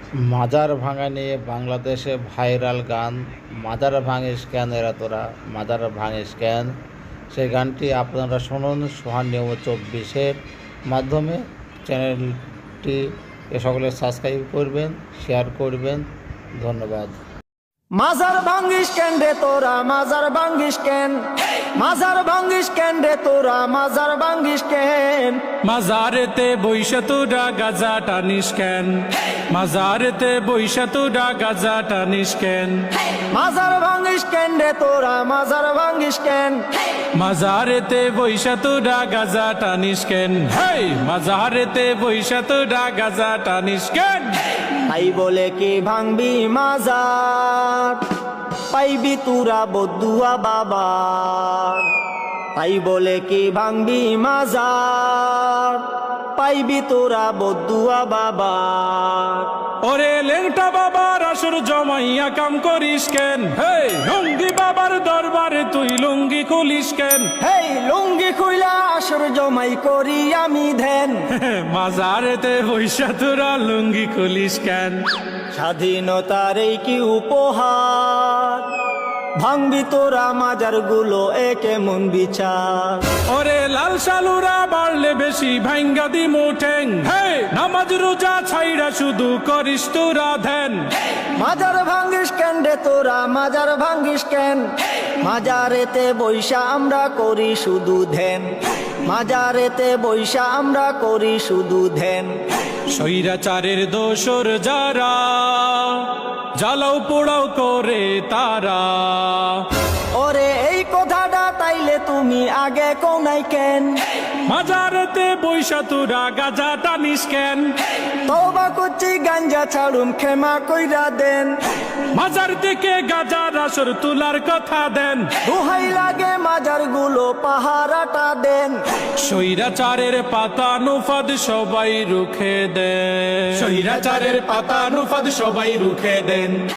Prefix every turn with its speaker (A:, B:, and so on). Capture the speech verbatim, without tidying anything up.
A: মাজার ভাঙা নিয়ে বাংলাদেশে ভাইরাল গান মাজার ভাঙিস কেন এরা তোরা মাজার ভাঙিস কেন, সেই গানটি আপনারা শুনুন সোহান নিউজ চব্বিশের মাধ্যমে। চ্যানেলটি এ সকলে সাবস্ক্রাইব করবেন, শেয়ার করবেন। ধন্যবাদ।
B: মাজার ভাঙ্গিস কেন রে তোরা মাজার ভাঙ্গিস কেন, মাজার ভাঙ্গিস কেন রে তোরা মাজার ভাঙ্গিস কেন,
C: মাজারেতে বৈশা তোরা গাজা টানিস কেন, মাজারেতে বৈশা তোরা গাজা টানিস কেন,
B: মাজার ভাঙ্গিস কেন রে তোরা মাজার ভাঙ্গিস কেন,
C: মাজারেতে বৈশা তোরা গাজা টানিস কেন, হেই মাজারেতে বৈশা তোরা গাজা টানিস কেন।
B: তাই বলে কি ভাঙবি মাজার, পাইবি তুরা বদুয়া বাবা। তাই বলে কি ভাঙবি মাজার, পাইবি তোরা বদুয়া বাবা।
C: ওরে লেংটা বাবার আসর জমাইয়া কাম করিস কেন, হেই লুঙ্গি বাবার দরবারে তুই লুঙ্গি খুলিস কেন,
B: হেই লুঙ্গি খুইলা আসর জমাই করি আমি ধ্যান।
C: মাজারেতে বৈশা তোরা লুঙ্গি খুলিস কেন।
B: স্বাধীনতার এই কি উপহার, ভাঙবি তোরা মাজার গুলো একে মন বিচার।
C: ওরে লাল সালুরা বাড়লে বেশি ভাঙ্গা দি মুঠেং, হে নামাজ রোজা ছাইরা শুধু করিস তোরা ধ্যান।
B: মাজার ভাঙ্গিস কেন রে তোরা মাজার ভাঙ্গিস কেন, মাজারেতে বৈশা আমরা করি শুধু ধ্যান, মাজারেতে বৈশা আমরা করি শুধু ধ্যান।
C: স্বৈরাচারের দোসর যারা জ্বালাও পোড়াও করে তারা,
B: ওরে এই কথাটা তাইলে তুমি আগে কোনাই কেন,
C: মাজারেতে বৈশা তোরা গাজা টানিস কেন,
B: তওবা করছি গাঞ্জা ছাড়ুম ক্ষমা কইরা দেন।
C: মাজার থেকে গাজার আসর তুলার কথা দেন,
B: দোহাই লাগে মাজার গুলো পাহারাটা দেন।
C: স্বৈরাচারের পাতা নুফাদ সবাই রুখে দেন, স্বৈরাচারের পাতা নুফাদ সবাই রুখে দেন।